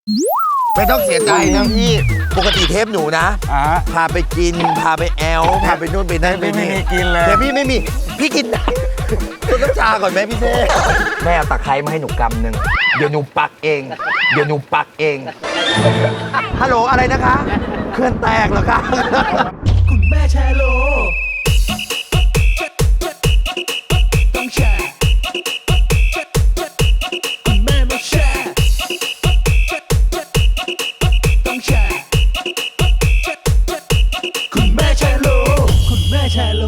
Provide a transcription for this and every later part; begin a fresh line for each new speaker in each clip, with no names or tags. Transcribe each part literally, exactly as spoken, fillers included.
ไม่ต้องเสียใจนะพี่ปกติเทปหนูนะพาไปกินพาไปแอลพาไปนู่นไปนั่นไปนี่ไม่มีกินเลยแต่พี่ไม่มีพี่กินต้นน้ำชาก่อนไหมพี่เท่แม่เอาตะไคร้มาให้หนูกำหนึ่งเดี๋ยวหนูปักเองเดี๋ยวหนูปักเองฮัลโหลอะไรนะคะเคลื่อนแตกเหรอคะ
คุณแม่แชร์โลต้องแชร์คุณแม่มาแชร์ต้องแชร์คุณแม่แชร์โลคุณแม่แชร์โล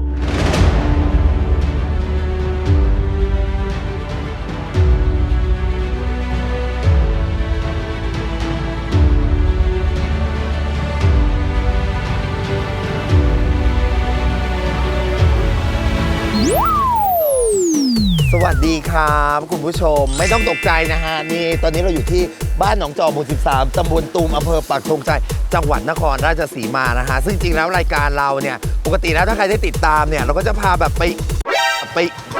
สวัสดีครับคุณผู้ชมไม่ต้องตกใจนะฮะนี่ตอนนี้เราอยู่ที่บ้านหนองจอกหมู่สิบสามตำบลตูมอำเภอปักธงชัยจังหวัดนครราชสีมานะฮะซึ่งจริงแล้วรายการเราเนี่ยปกติแล้วถ้าใครได้ติดตามเนี่ยเราก็จะพาแบบไปไป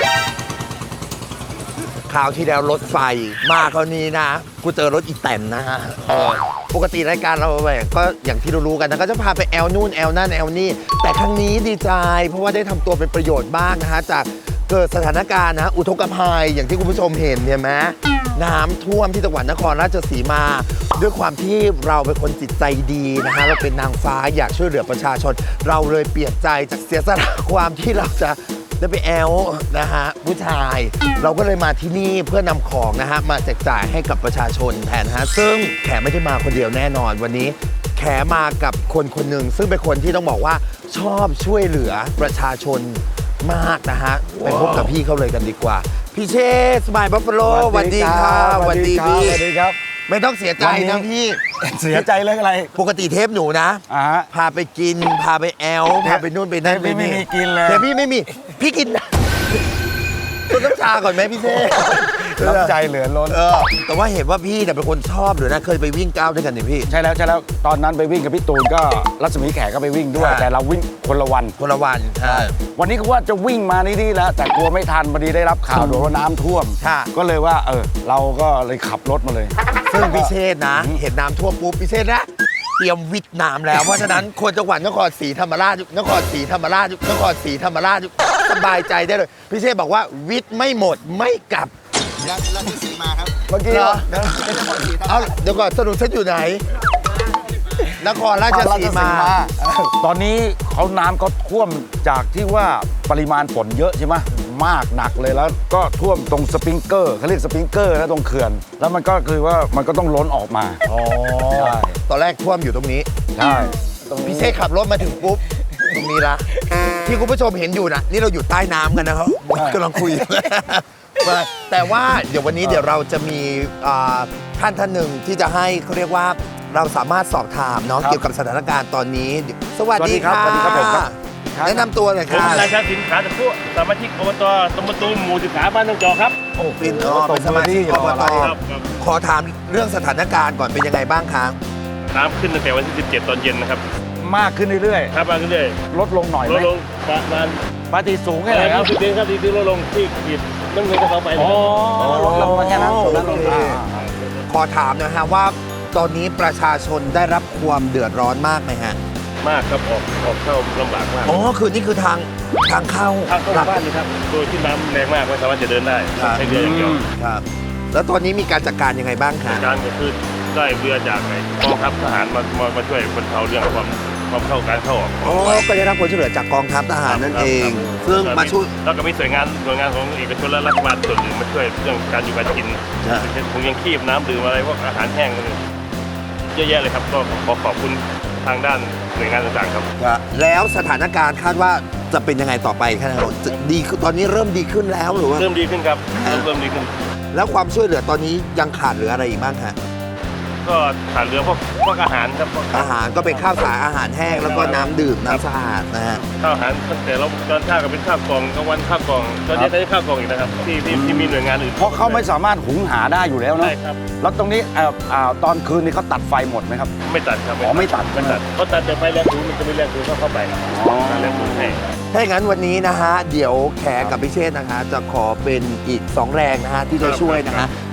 คราวที่แล้วรถไฟมาคราวนี้นะกูเจอรถอีแตนนะฮะปกติรายการเราแบบก็อย่างที่รู้ๆกันนะก็จะพาไปแอลนู่นแอลนั่นแอลนี่แต่ครั้งนี้ดีใจเพราะว่าได้ทำตัวเป็นประโยชน์บ้างนะฮะจากเกิดสถานการณ์นะอุทกภัยอย่างที่คุณผู้ชมเห็นเนี่ยไหมน้ำท่วมที่จังหวัดนครราชสีมาด้วยความที่เราเป็นคนจิตใจดีนะฮะเราเป็นนางฟ้าอยากช่วยเหลือประชาชนเราเลยเปลี่ยนใจจากเสียสละความที่เราจะได้ไปแอลนะฮะผู้ชายเราก็เลยมาที่นี่เพื่อนำของนะฮะมาแจกจ่ายให้กับประชาชนแทนฮะซึ่งแขไม่ได้มาคนเดียวแน่นอนวันนี้แขมากับคนคนหนึ่งซึ่งเป็นคนที่ต้องบอกว่าชอบช่วยเหลือประชาชนมากนะฮะไปพบกับพี่เขาเลยกันดีกว่าพี่เชษสมายบัฟฟาโลสวัสดีครับสวัสดีพี่สวัสดีครับไม่ต้องเสียใจนะพี่
เสียใจเรื่องอะไร
ปกติเทปหนูนะพาไปกินพาไปแอลพาไปนู่นไปนั่นไปนี่
ไม่มีกินเลย
แต่พี่ไม่มีพี่กินต้นน้ำชาก่อนไหมพี่เชษ
น้ำใจเหลือล้น
แต่ว่าเห็นว่าพี่เป็นคนชอบหรือนะเคยไปวิ่งก้าวด้วยกันนี่พี่
ใช่แล้วใช่แล้วตอนนั้นไปวิ่งกับพี่ตูนก็รัศมีแขกก็ไปวิ่งด้วยแต่เราวิ่งคนละวัน
คนละวันใช่
วันนี้ก็ว่าจะวิ่งมานี่แล้วแต่กลัวไม่ทันพอดีได้รับข่าวว่าน้ำท่วมก็เลยว่าเออเราก็เลยขับรถมาเลย
ซึ่งพี่เชษนะเห็นน้ำท่วมปุ๊บพี่เชษนะเตรียมวิทย์น้ำแล้วเพราะฉะนั้นคนจังหวัดนครศรีธรรมราชนครศรีธรรมราชนครศรีธรรมราชสบายใจได้เลยพี่เชษบอกว่าวิทย์ไม่หมดไม่กลับ
ราชสีมาครับ
เมื่อกี้เหรอเอาเดี๋ยวก่อนสรุปฉันอยู่ไหนนครราชสีมา
ตอนนี้เขาน้ำก็ท่วมจากที่ว่าปริมาณฝนเยอะใช่ไหมมากหนักเลยแล้วก็ท่วมตรงสปริงเกอร์เขาเรียกสปริงเกอร์นะตรงเขื่อนแล้วมันก็คือว่ามันก็ต้องล้นออกมา
อ๋อใช่ตอนแรกท่วมอยู่ตรงนี้
ใช่
พี่เชษขับรถมาถึงปุ๊บตรงนี้ละที่คุณผู้ชมเห็นอยู่นะนี่เราอยู่ใต้น้ำกันนะครับกำลังคุยแต่ว่าเดี๋ยววันนี้เดี๋ยวเราจะมีท่านท่านหนึ่งที่จะให้เขาเรียกว่าเราสามารถสอบถามเนาะเกี่ยวกับสถานการณ์ตอนนี้สวัสดีครับสวัสดีครับผมแนะนำตัวหน่อยครับ
นายชาสินขาตะพุสมาชิกอบตตำบลตูมหมู่สิบสามบ้านหนองจอกครับ
โอ้เป็นเป็นสมาชิกอบตขอถามเรื่องสถานการณ์ก่อนเป็นยังไงบ้างครับ
น้ำขึ้นตั้งแต่วันที่สิบเจ็ดตอนเย็นนะครับ
มากขึ้นเรื่อย
ๆครับมากขึ้นเรื่อย
ลดลงหน่อย
ลดลงประมาณ
ปกติสูงแค่ไหนครับ
สิบเดือนครับที่ลดลงที่ขีดน้ำเงินก็เข้าไป
อ๋อลดลงมาแค่นั้น
ขอถามนะฮะว่าตอนนี้ประชาชนได้รับความเดือดร้อนมากไหมฮะ
มากครับออกออกเข้าลำบากมาก
อ๋อคือนี่คือทางทางเข้า
ทางเข้าบ้านนี่ครับโดยที่น้ำแรงมากไม่สามารถจะเดินได้ใช้เรืออย่างเดียว
ครับแล้วตอนนี้มีการจัดการยังไงบ้างคะ
การก็คือได้เรือจากกองทัพทหารมามาช่วยบรรเทาเรื่องความความเข้าการเข้าออก
อ๋อก็ได้รับความช่วยเหลือจากกองทัพทหารนั่นเองซึ่งมาช่วย
แล้วก็มีหน่วยงานหน่วยงานของเอกชนและรัฐบาลส่วนหนึ่งมาช่วยเรื่องการอยู่การกินเช่นถุงยังคีบน้ำดื่มอะไรพวกอาหารแห้งเยอะแยะเลยครับก็ขอขอบคุณทางด้านหน่วยงานต่างๆครับ
แล้วสถานการณ์คาดว่าจะเป็นยังไงต่อไปครับดีตอนนี้เริ่มดีขึ้นแล้วหรือว่า
เริ่มดีขึ้นครับเริ่มดีขึ้น
แล้วความช่วยเหลือตอนนี้ยังขาดเหลืออะไรอีกบ้างคะ
ก็ขาดเหลือพวกพวกอาหารครับ
อาหารก็เป็นข้าวสารอาหารแห้งแล้วก็น้ำดื่มน้ำสะอาดนะฮะ
ข้าวอาหารตั้งแต่เราตอนเช้าก็เป็นข้าวกล่องกลางวันข้าวกล่องตอนนี้ได้ข้าวกล่องอีกนะครับที่ที่มีหน่วยงานอื่น
เพราะเขาไม่สามารถหุงหาได้อยู่แล้วเนาะ
ใช่ครับ
แล้วตรงนี้ตอนคืนนี้เขาตัดไฟหมดไหมครับ
ไม่ตัดครับ
อ๋อไม่ตัด
ไม่ตัดเขาตัดแต่ไฟแรงสูงมันจะไม่แรงสูงเข้าไปอ๋อแรงสูงให้
ถ้าอย่างนั้นวันนี้นะฮะเดี๋ยวแขกกับพิเชษนะคะจะขอเป็นอีกสองแรงนะฮะที่จะช่วยนะฮะ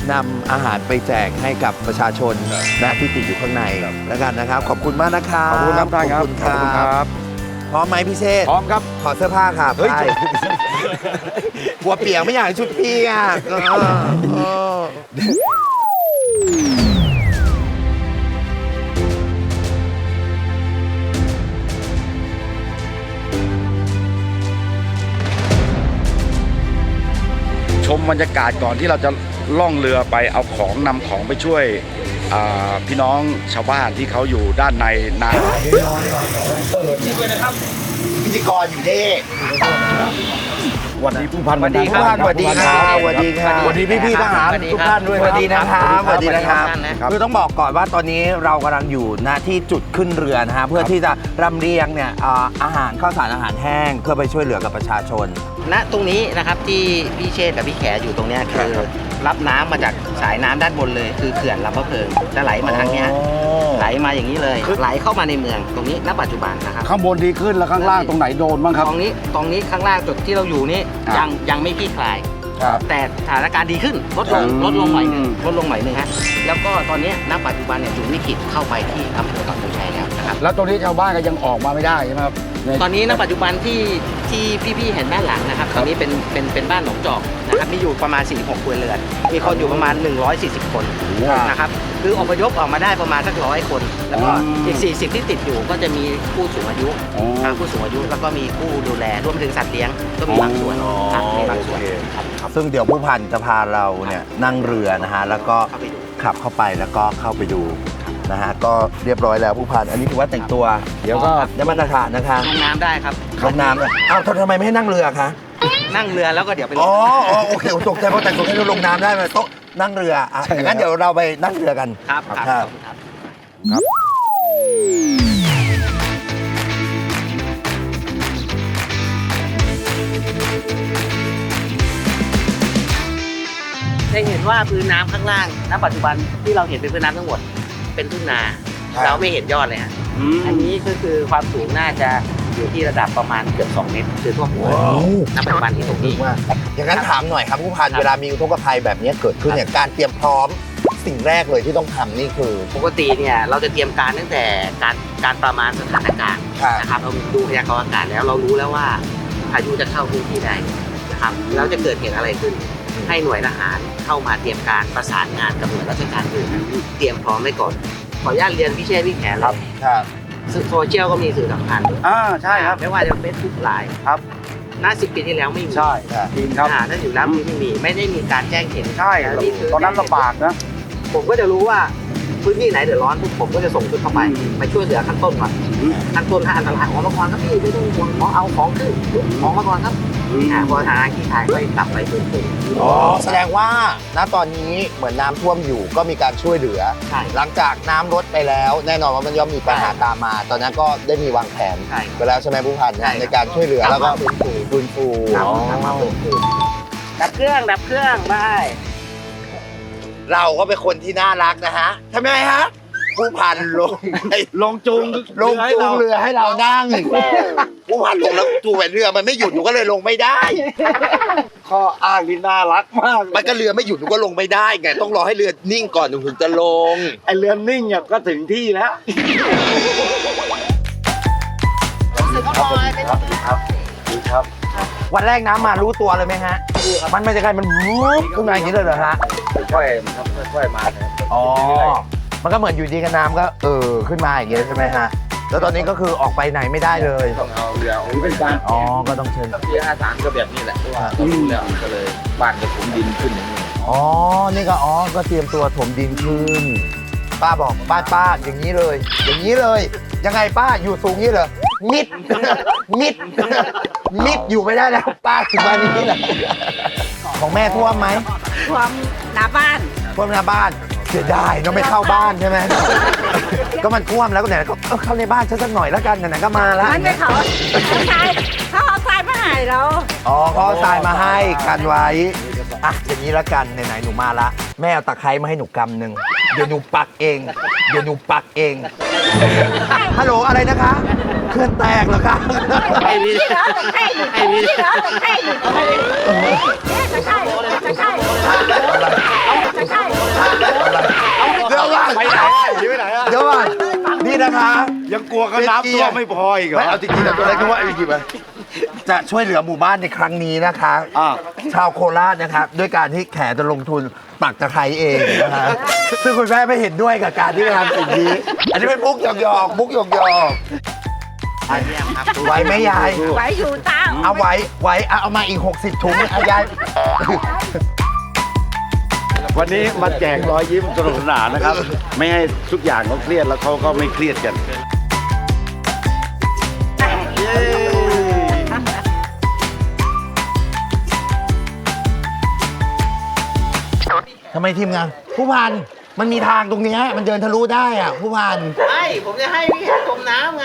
นำอาหารไปแจกให้กับประชาชนนะที่ติดอยู่ข้างในแล้วกันนะครับ ขอบคุณมากนะครับ
ขอบคุณครับท่านครับ
ขอบคุณครับ พร้อมไหมพี่เชษฐ์
พร้อมครับ
ขอเสื้อผ้าครับ
เฮ้ย
ใช่กลัวเปียกไม่อยากให้ชุดพี่อ่ะเออเออ
ชมบรรยากาศก่อนที่เราจะล่องเรือไปเอาของนำของไปช่วยอ่าพี่น้องชาวบ้านที่เขาอยู่ด้านในนา
พิธีกรอยู่นี่
วันนี้ผู้พัน
สวัสดีครับสวัสดีครับสวัสดีครับ
สวัสดีพี่ๆทหารทุกท่านด้วย
สวัสดีนะครับสวัสดีนะครับ
ครับ
คือต้องบอกก่อนว่าตอนนี้เรากำลังอยู่ณที่จุดขึ้นเรือนะฮะเพื่อที่จะรำเลียงเนี่ยอ่าอาหารข้าวสารอาหารแห้งเพื่อไปช่วยเหลือกับประชาชน
ณตรงนี้นะครับที่พี่เชษฐ์กับพี่แขอยู่ตรงเนี้ยคือรับน้ำมาจากสายน้ำด้านบนเลย คือเขื่อนลำพะเพิงจะไหลมาทางเนี้ยไหลมาอย่างนี้เลยไหลเข้ามาในเมืองตรงนี้ณปัจจุบันนะครับ
ข้างบนดีขึ้นแล้วข้างล่างตรงไหนโดนบ้างครับ
ตรงนี้ตรงนี้ข้างล่างจุดที่เราอยู่นี่
ครับ
ยังยังไม่คลี่คลาย
ครับ
แต่สถานการณ์ดีขึ้นลดลง
อืม
ลดลงหน่อยหนึงลดลงหน่อยหนึงฮะแล้วก็ตอนนี้ณปัจจุบันเนี่ยจุดวิกฤตเข้าไปที่อำเภอปักธงชัยแล้วนะครับ
แล้วตรงนี้ชาวบ้านก็ยังออกมาไม่ได้ใช่ไหมครับใน
ตอนนี้ณปัจจุบันที่ที่พี่ๆเห็นด้านหลังนะครับตอนนี้เป็นเป็นเป็นบ้านหนองจอกนะครับมีอยู่ประมาณสี่สิบหกครัวเรือนมีคนอยู่ประมาณหนึ่งร้อยสี่สิบคนนะครับคืออพยพออกมาได้ประมาณสักร้อยคน แล้วก็อีกสี่สิบที่ติดอยู่ก็จะมีผู้สูงอายุ
อ๋อ
ทางผู้สูงอายุแล้วก็มีผู้ดูแลรวมถึงสัตว์เลี้ยงก็มีบางส่วนครับมีบางส่วนครับ
ซึ่งเดี๋ยวผู้พันจะพาเราเนี่ยนั่งเรือนะฮะแล้วก็
เข้าไปดู
ขับเข้าไปแล้วก็เข้าไปดูนะฮะก็เรียบร้อยแล้วผู้พันอันนี้ถือว่าแต่งตัว
เดี๋ยวก็
ได้มาตรฐานนะคะ
ลงน้ำได้ครับ
ลงน้ำเนี่ยเอ้าทำไมไม่ให้นั่งเรือคะ
นั่งเรือแล้วก็เดี๋ยวไปลง
อ๋ออ๋อโอเคผมตกใจเพราะแต่งตัวให้เราลงน้ำได้ไหมโต๊ะนั่งเรืออ่ะ
ใช่แล้ว
งั้นเดี๋ยวเราไปนั่งเรือกัน
ครับครับ
ครับ
ครับ จะเห็นว่าพื้นน้ำข้างล่างณปัจจุบันที่เราเห็นเป็นพื้นน้ำทั้งหมด เป็นทุ่งนา
ครับ
เราไม่เห็นยอดเลยฮะอันนี้ก็คือความสูงน่าจะอยู่ที่ระดับประมาณเกือบสองเมตรคือท่วมหัวณปัจจุบันที่ตรงนี้
ว่าอย่างนั้นถามหน่อยครับผู้พัน
ครับ
เวลามีอุทกภัยแบบนี้เกิดขึ้นเนี่ยการเตรียมพร้อมสิ่งแรกเลยที่ต้องทำนี่คือ
ปกติเนี่ยเราจะเตรียมการตั้งแต่การการประมาณสถานการณ์
ครับ
นะครับเราดูพยากรณ์อากาศแล้วเรารู้แล้วว่าพายุจะเข้าพื้นที่ใดนะครับแล้วจะเกิดเหตุอะไรขึ้น ให้หน่วยทหารเข้ามาเตรียมการประสานงานกับหน่วยราชการอื่นเตรียมพร้อมไว้ก่อนขออนุญาตเรียนพี่เชษฐ์พี่แขนเลย
ครับ
สื่อโซเชียลก็มีสื่อสำคัญ
อ่าใช่ครับ
ไม่ว่าจะเป็นทุกไลน์
ครับ
หน้าสิบปีที่แล้วไม่มี
ใช่จริงครับ
อ่าถ้าอยู่แล้วไม่มีไม่ได้มีการแจ้งเหตุ
ใช่
นี่คือ
ตอนนั้นลำบากนะ
ผมก็จะรู้ว่าพื้นที่ไหนเดือดร้อนปุ๊บผมก็จะส่งชุดเข้าไป
อืม
ไปช่วยเหลือขั้นต้นก่อนขั้นต้นถ้าอันตรายออกมาก่อนครับพี่ไม่ต้องห่วงขอเอาของขึ้นออกมาก่อนครับอ่าพอทางที่ถ่ายก็กลับไปฟื้นฟู
อ๋อแสดงว่าณตอนนี้เหมือนน้ำท่วมอยู่ก็มีการช่วยเหลือ
ใช่
หลังจากน้ำลดไปแล้ว แน่นอนว่ามันย่อมมีปัญหาตามมา ตอนนั้นก็ได้มีวางแผน
ใช่
ไปแล้วใช่ไหมผู้พัน
ใช่ครับ
ในการช่วยเหลือแล้วก็
ฟื้นฟู
ฟื้นฟู
ครับ
อ๋อ
กลับมาฟื้นฟูดับเครื่องดับเครื่องไป
เราก็เป็นคนที่น่ารักนะฮะทำไมฮะผู้พันลงไป
ลงจูง
ลงจูงเรือให้เรานั่งผู้พันลงแล้วจูงเรือมันไม่หยุดหนูก็เลยลงไม่ได้
ข้ออ้างที่น่ารักมากเลย
มันก็เรือไม่หยุดหนูก็ลงไม่ได้ไงต้องรอให้เรือนิ่งก่อนหนูถึงจะลง
ไอเรือนนิ่งเนี่ยก็ถึงที่แล้ว
วันแรกน้ำมารู้ตัวเลยไหมฮะมันไม่ใช่ใครมันวุ๊บขึ้นมาอย่างนี้เลยเหรอฮะ
ค่อยๆครับค่อยๆมาครับ
อ๋อ มันก็เหมือนอยู่ดีกับน้ำก็เออขึ้นมาอย่างเงี้ยใช่ไหมฮะ แล้วตอนนี้ก็คือออกไปไหนไม่ได้เลย
ต้องเอาเรือถือเป็นการ
อ๋อ ก็ต้องเชิญ
ปีห้าสามก็แบบนี้แหละเพราะว่าเรารู้แล้วก็เลยบ้านจะถมดินขึ้นอย่างนี้
อ๋อ นี่ก็อ๋อ ก็เตรียมตัวถมดินขึ้น ป้าบอกป้าป้าอย่างนี้เลย อย่างนี้เลย ยังไงป้าอยู่สูงนี้เหรอ มิด มิด มิดอยู่ไม่ได้แล้วป้าถึงมานี้แหละ ของแม่ท่วมไหม
ท่วมหน้าบ้าน
ท่วมหน้าบ้าน เสียดายเนาะไม่เข้าบ้านใช่ไหม ก็มันท่วมแล้วก็ไหนๆก็เออเข้าในบ้านฉันสักหน่อยแล้วกันไหนๆก็มาแล้ว
มันไม่เขาเขาทรายเขาเอาทรายมาให้เรา
อ๋อเขาเอาทรายมาให้กันไว้ อ่ะอย่างนี้ละกันไหนๆหนูมาละแม่เอาตะไคร้มาให้หนูกำหนึ่งเดี๋ยวหนูปักเอง เดี๋ยวหนูปักเอง ฮัลโหลอะไรนะคะเคลื่อนแตกเหรอคะ
ไอ้นี่
ไอ้นี่ไอ้นี่ไอ้นี่จะใช่จะใช่จะใช่
หนีไปไหนอะ
เดี๋ยวก่อนนี่นะคะ
ยังกลัวกันน้ำท่วมไม่พออีกเหรอ
ไม่เอาจริงๆแต่ตัวเล็กนึกว่าเอาจริงๆไปจะช่วยเหลือหมู่บ้านในครั้งนี้นะคะ
อ่า
ชาวโคราชนะครับด้วยการที่แขจะลงทุนปักตะไคร้เองนะคะซึ่งคุณแม่ไม่เห็นด้วยกับการที่จะทำสิ่งนี้ อันนี้เป็นมุกหยอกๆมุกหยอก
เยี่ยมครับ
ๆไหวไหมยาย
ไว้อยู่ตาม
เอาไว้ไว้เอาเอามาอีก หกสิบถุงเอายาย
วันนี้มาแจกรอยยิ้มสนุกสนานนะครับ ไม่ให้ทุกอย่างเขาเครียดแล้วเขาก็ไม่เครียดกัน
ทำไมทีมงานผู้พันมันมีทางตรงเนี้ยมันเดินทะลุได้อ่ะผู้พัน
ไม่ ผมจะให้พี่จมน้ำไง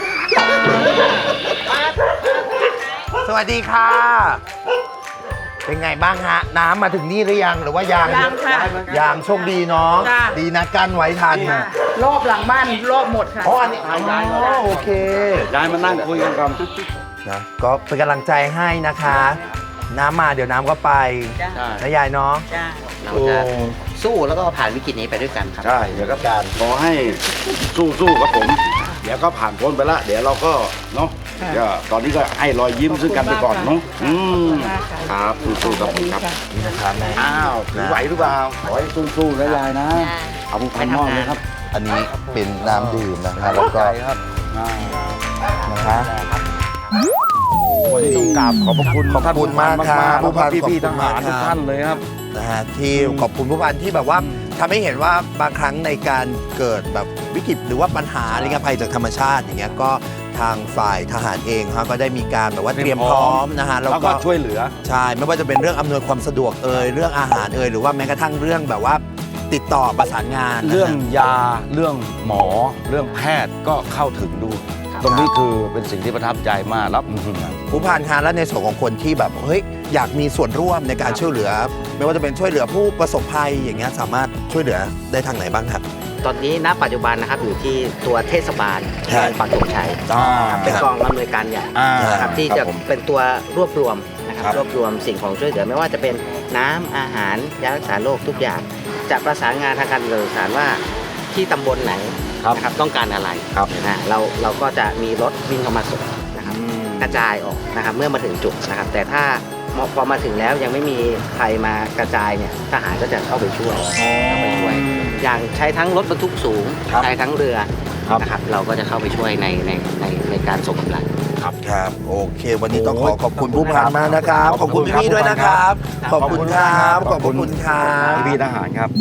สวัสดีค่ะ เป็นไงบ้างฮะ น้ำมาถึงนี่หรือยังหรือว่ายัง
ยังค่ะ
ยังโชคดีเนาะ
จ้ะ
ดีนะกั้นไว้ทัน
รอบหลังบ้านรอบหมดค่ะ
อ๋ออันนี้อ๋อโอเค
ยายมานั่งคุยกันก่อน
นะก็เป็นกำลังใจให้นะคะ น้ำมาเดี๋ยวน้ำก็ไป
จ้า
นะยายเนาะ
จ้าเราจะสู้แล้วก็ผ่านวิกฤตนี้ไปด้วยกันครับ
ใช่ เดี๋ยวก็การขอให้สู้ๆกับผม เดี๋ยวก็ผ่านพ้นไปละ เดี๋ยวเราก็เนาะเดี๋ยวตอนนี้ก็ให้รอยยิ้มซึ่งกันไปก่อนเนาะอืมครับสู้ๆกับผมครับ
นี่นะครับแม่
อ้าวถือไหวหรือเปล่าขอให้สู้ๆนะยายนะเอาผู้พันมอบเลยครับ
อันนี้เป็นน้ำดื่มนะคะแล้วก็
ครับอ่า
นะคะ
วันนี้ต้องกราบขอบพระคุณ
ขอบคุณมากครับ
ๆแล้วก็พี่ๆ
ข
ท
อบคุณมาก
หารทุก
ครับ
ท่านเลยครับ
นะฮะที่ขอบคุณผู้พันที่แบบว่าทำให้เห็นว่าบางครั้งในการเกิดแบบวิกฤตหรือว่าปัญหาอะไรเงี้ยภัยจากธรรมชาติอย่างเงี้ยก็ทางฝ่ายทหารเองฮะก็ได้มีการแบบว่าเตรียมพร้อมนะฮะ
แล้วก็ช่วยเหลือ
ใช่ไม่ว่าจะเป็นเรื่องอำนวยความสะดวกเอ่ยเรื่องอาหารเอ่ยหรือว่าแม้กระทั่งเรื่องแบบว่าติดต่อประสานงานนะฮะ
เรื่องยาเรื่องหมอเรื่องแพทย์ก็เข้าถึงดู ตรงนี้คือเป็นสิ่งที่ประทับใจมากแล้วอื้อหือ
ผู้พันคะและในส่วนของคนที่แบบเฮ้ยอยากมีส่วนร่วมในการช่วยเหลือ ไม่ว่าจะเป็นช่วยเหลือผู้ประสบภัยอย่างเงี้ยสามารถช่วยเหลือได้ทางไหนบ้างครับ
ตอนนี้ณปัจจุบันนะครับอยู่ที่ตัวเทศบาล
ใช่
เมืองปักธงชัย
อ่า
เป็นกองอำนวยการใหญ่
อ่า
นะครับที่จะ
ครับผม
เป็นตัวรวบรวมนะครับ
ครับ
รวบรวมสิ่งของช่วยเหลือไม่ว่าจะเป็นน้ำอาหารยารักษาโรคทุกอย่างจะประสานงานทางการสื่อสารว่าที่ตำบลไหนนะครับต้องการอะไร
ครับ
นะเราเราก็จะมีรถวิ่งเข้ามาส่งนะครับกระจายออกนะครับเมื่อมาถึงจุดนะครับ แต่ถ้าพอมาถึงแล้วยังไม่มีใครมากระจายเนี่ยทหารก็จะเข้าไปช่วยเข้าไปช่วย อย่างใช้ทั้งรถบรรทุกสูง
ครับ
ใช้ทั้งเรือ
ครับ
นะครับเราก็จะเข้าไปช่วยในในในในการส่งกำลัง
ครับโอเค วันนี้ต้องขอขอบคุณผู้พันมากนะครับ ขอบคุณพี่ๆด้วยนะครับ ขอบคุณครับขอบคุณครับ
พี่ๆทหารครับ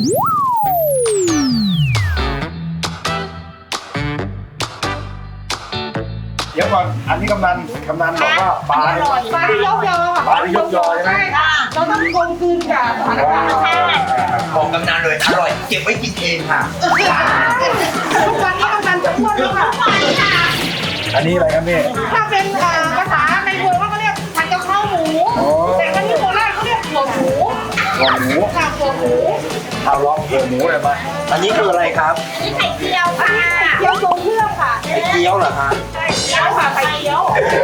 เดี๋ยวก่อน อันนี้กำนันกำนันบอกว่าปลา
อร่อยปลาที่ยกยอ
ปลาที่ยกยอใช่ไหม
ใช่ค่ะเราต้องกลมกลืนกับสถานการณ์ธรรมชาติ
บอกกำนันเลยอร่อยเก็บไว้กินเองค่ะ
ทุกวันนี้กำลังจะพูดแล้วค่ะ
อันนี้อะไรครับพี่
ถ้าเป็นเอ่อภาษาในเมืองเขาก็เรียกผัดกะเพราหมู แต่ถ้าที่โคราชเขาเรียกหัวหมู
หัวหมู
ค่ะหัวหมู
เอาลองหัวหมูเลยไหม
อันนี้คืออะไรครับ
นี่ไข่เจียวค่ะเจียวทรงเครื่องค่ะ
ไข่เกี๊ยวเหรอคะ
ไข่เจียวค่ะไข่เจียว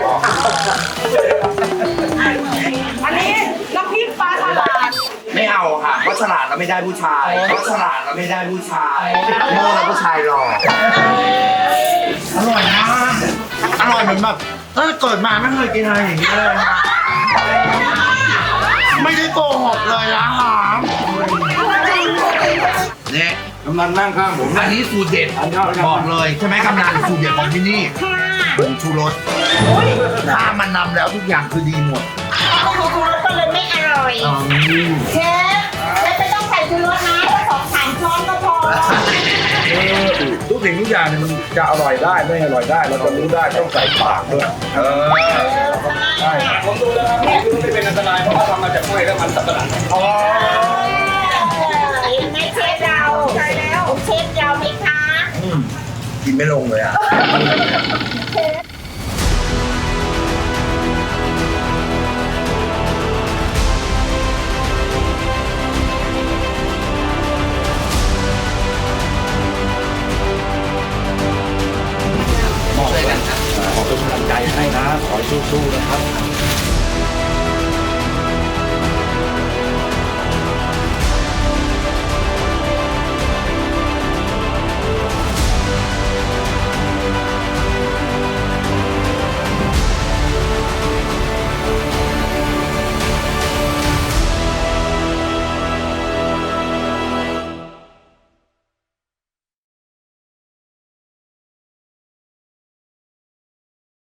อันนี้น้ำพริกปลาฉลาด
ไม่เอาค่ะเพราะฉลาดเราไม่ได้ผู้ชายเพราะฉลาดเราไม่ได้ผู้ชายโง่แล้วผู้ชายหล่ออร่อยมากอร่อยเหมือนแบบเออเกิดมาไม่เคยกินอะไรอย่างนี้เลยค่ะไม่ได้โกหกเลยนะฮะเนี่ย
กำนันนั่งข้างผม
อันนี้สูตรเด็ดบอกเลยใช่ไหมกำนันสูตรเด็ดของที่นี่ผงชูรสถ้ามันนำแล้วทุกอย่างคือดีหมด
เอาของชูรสก็เลยไม่อร่อยเชฟเชฟไม่ต้องใส่ชูรสนะแค่สองสามช้อนก็พอ
ทุกสิ่งทุกอย่างเนี่ยมันจะอร่อยได้ไม่อร่อยได้ เราจะรู้ได้ต้องใส่ปากด้วยเออใช่ผมดูแล้วครับไม่เป็นอันตรายเพราะว่าทำมาจากกล้วยและมันสับปะรด
อ๋อ
เห็นไหมเชฟเราใช่แล้วเชฟเราไหมคะ
กินไม่ลงเลยอ่ะ
ขอเป็นกำลังใจให้นะ ขอให้สู้ๆนะครับ